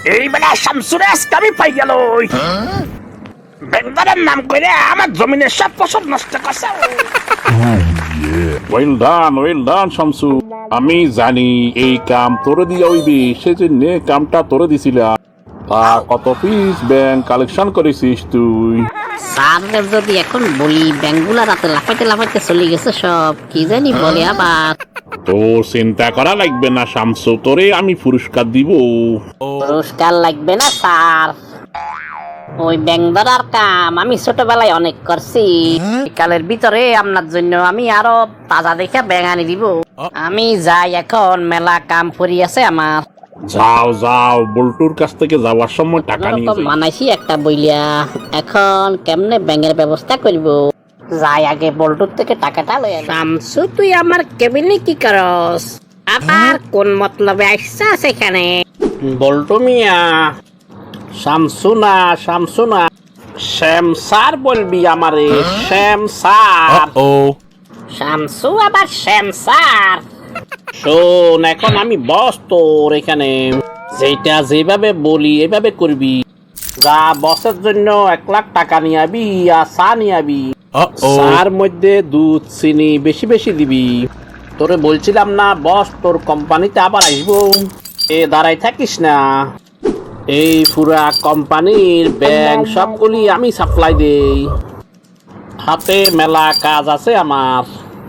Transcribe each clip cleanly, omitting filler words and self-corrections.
এই বেলা শামসুরে আজকে আমি পাই গেল ব্যাংকের নাম করে আমার জমিনের সব ফসল নষ্ট করছে। Well done Shamsu. আমি জানি এই কাম তোরে দিয়া হইবে, সেজন্য কামটা তোরে দিছিলাম। তা কত পিস ব্যাংক কালেকশন করেছিস তুই? স্যার যদি এখন বলি ব্যাংকগুলা রাতে লাফাইতে লাফাইতে চলে গেছে সব, কি জানি বলে আবার। তোর চিন্তা করা লাগবে না শামসু, তোরে আমি পুরস্কার দিব। পুরস্কার লাগবে না স্যার, ওই ব্যাংক ধরার কাম আমি ছোটবেলায় অনেক করছি। কালের ভিতরে আপনার জন্য আমি আরো তাজা দেখে ব্যাংক আনি দিব। আমি যাই এখন, মেলা কাম পড়ি আছে আমার। যাও বল্টুর কাছ থেকে যাওয়ার সময় টাকা নিয়ে যাই। মানাইছি একটা বইলিয়া, এখন কেমনে ব্যাংকের ব্যবস্থা করব। যাই আগে বল্টুর থেকে টাকাটা লই। শামসু তুই আমার কেবিনে কি করস? আবার কোন মতলবে আসছা সেখানে? বল্টু মিয়া, শামসু না শ্যাম স্যার বলবি আমারে, শ্যাম স্যার। শামসু আবার শ্যাম স্যার? শোন, এখন আমি বস তোর এখানে, যেটা যেভাবে বলি এভাবে করবি। যা বসের জন্য 1 লাখ টাকা নিয়ে আবি আর চা নিয়ে আবি। চার মধ্যে দুধ চিনি বেশি বেশি দিবি। তোরে বলছিলাম না বস তোর কোম্পানিতে আবার আসবো, দাঁড়াই থাকিস না। এই পুরা কোম্পানির ব্যাংক সবগুলি আমি সাপ্লাই দেই, হাতে মেলা কাজ আছে আমার।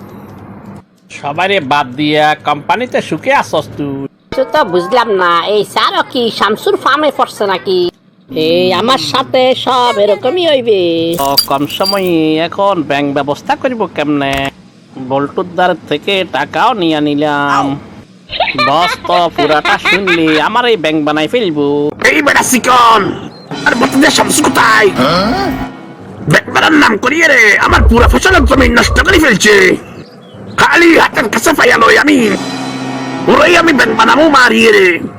সবাইরে বাদ দিয়া কোম্পানিতে সুখে আসস তুই? তো বুঝলাম না, এই স্যারও কি শামসুর ফার্মে পড়ছে নাকি? এই আমার সাথে সব এরকমই হইবে। কম সময়ে এখন ব্যাংক ব্যবস্থা করব কেমনে? বল্টুর দ্বার থেকে টাকাও নিয়ে নিলাম। বস তো পুরাটা শুনলি আমার এই ব্যাংক বানাই ফেলবো। এই বেটা সিকন, আর বলতে শামসু কোথায়? ব্যাংক বানার নাম করিয়ে রে আমার পুরা ফসলের জমি নষ্ট করে ফেলছে। খালি হাতের কাছে পাইয়া লই আমি, ওরাই আমি ব্যাংক বানাবো মারিয়ে রে।